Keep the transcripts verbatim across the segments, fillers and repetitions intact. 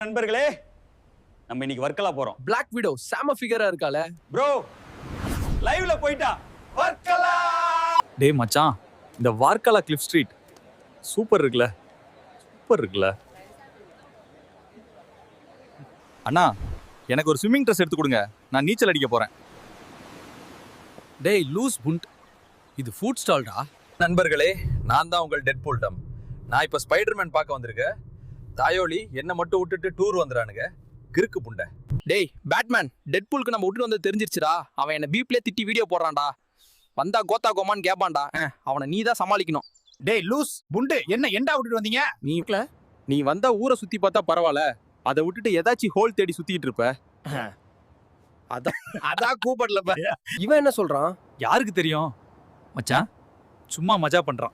நண்பர்களே, நம்ம இன்னைக்கு வர்க்கலா போறோம். Black Widow செம ஃபிகரா இருக்கால ப்ரோ, லைவ்ல போய்ட்டா வர்க்கலா. டேய் மச்சான், இந்த வார்க்கலா கிளிஃப் ஸ்ட்ரீட் சூப்பர் இருக்குல்ல, சூப்பர் இருக்குல்ல. அண்ணா, எனக்கு ஒரு ஸ்விம்மிங் ட்ரெஸ் எடுத்து கொடுங்க, நான் நீச்சல் அடிக்க போறேன். டேய் லூஸ் புண்ட், இது ஃபுட் ஸ்டால்டா. நண்பர்களே, நான் தான் உங்கள் டெட்பூல் டம். நான் இப்போ ஸ்பைடர்மேன் பார்க்க வந்திருக்கேன். தாயோலி என்னை மட்டும் விட்டுட்டு டூர் வந்துறானுங்க, கிறுக்கு புண்டை. டேய் பேட்மேன், டெட்பூலுக்கு நம்ம விட்டுட்டு வந்து தெரிஞ்சிருச்சுடா. அவன் என்ன பீப்லேயே திட்டி வீடியோ போடுறான்டா. வந்தா கோத்தா கோமான்னு கேட்பான்டா. அவனை நீ தான் சமாளிக்கணும். டேய் லூஸ் புண்டு, என்ன எண்டா விட்டுட்டு வந்தீங்க? நீ நீ வந்தா ஊரை சுத்தி பார்த்தா பரவாயில்ல, அதை விட்டுட்டு ஏதாச்சும் ஹோல் தேடி சுத்திட்டு இருப்ப. அதான் அதான் கூப்பிடலப்ப. இவன் என்ன சொல்றான்? யாருக்கு தெரியும் மச்சான், சும்மா மஜா பண்றான்.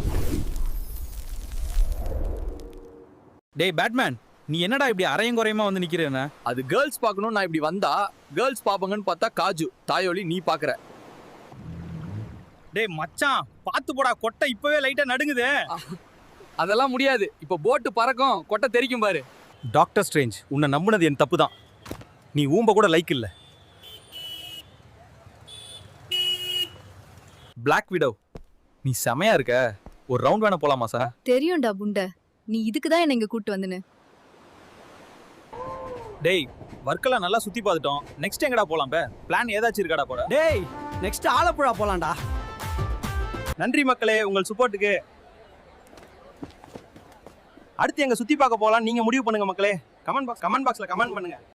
டேய் பேட்மேன், நீ என்னடா இப்படி அரையும் குறையுமா வந்து நிக்கிறேன்னு? அது கேர்ள்ஸ் பார்க்கணும். நான் இப்படி வந்தா கேர்ள்ஸ் பாப்பாங்கன்னு பார்த்தா காஜு தாயோலி நீ பாக்குற. டேய் மச்சான், பாத்து போடா, கொட்டை இப்பவே லைட்டா நடுங்குது. அதெல்லாம் முடியாது. இப்போ போட்டு பறக்கும், கொட்டை தெரிக்கும் பாரு. டாக்டர் ஸ்ட்ரேஞ்ச், உன்னை நம்புனது என் தப்பு தான். நீ ஊம்ப கூட லைக் இல்ல. Black Widow, நீ செமையா இருக்க. ஒரு ரவுண்ட் வேணா போலாமா சார்? தெரியும்டா புண்ட, நீ இதுக்கு தான் என்ன இங்க கூட்டு வந்தனு. டேய், வர்க்கெல்லாம் நல்லா சுத்தி பார்த்துட்டோம். நெக்ஸ்ட் எங்கடா போலாம்? பே பிளான் ஏதாச்சும் இருக்காடா போட? டேய் நெக்ஸ்ட் ஆலப்புழா போலாம்டா. நன்றி மக்களே உங்கள் சப்போர்ட்டுக்கு. அடுத்து எங்க சுத்தி பார்க்க போலாம், நீங்க முடிவு பண்ணுங்க மக்களே. கமெண்ட் பாக்ஸ் கமெண்ட் பாக்ஸ்ல கமெண்ட் பண்ணுங்க.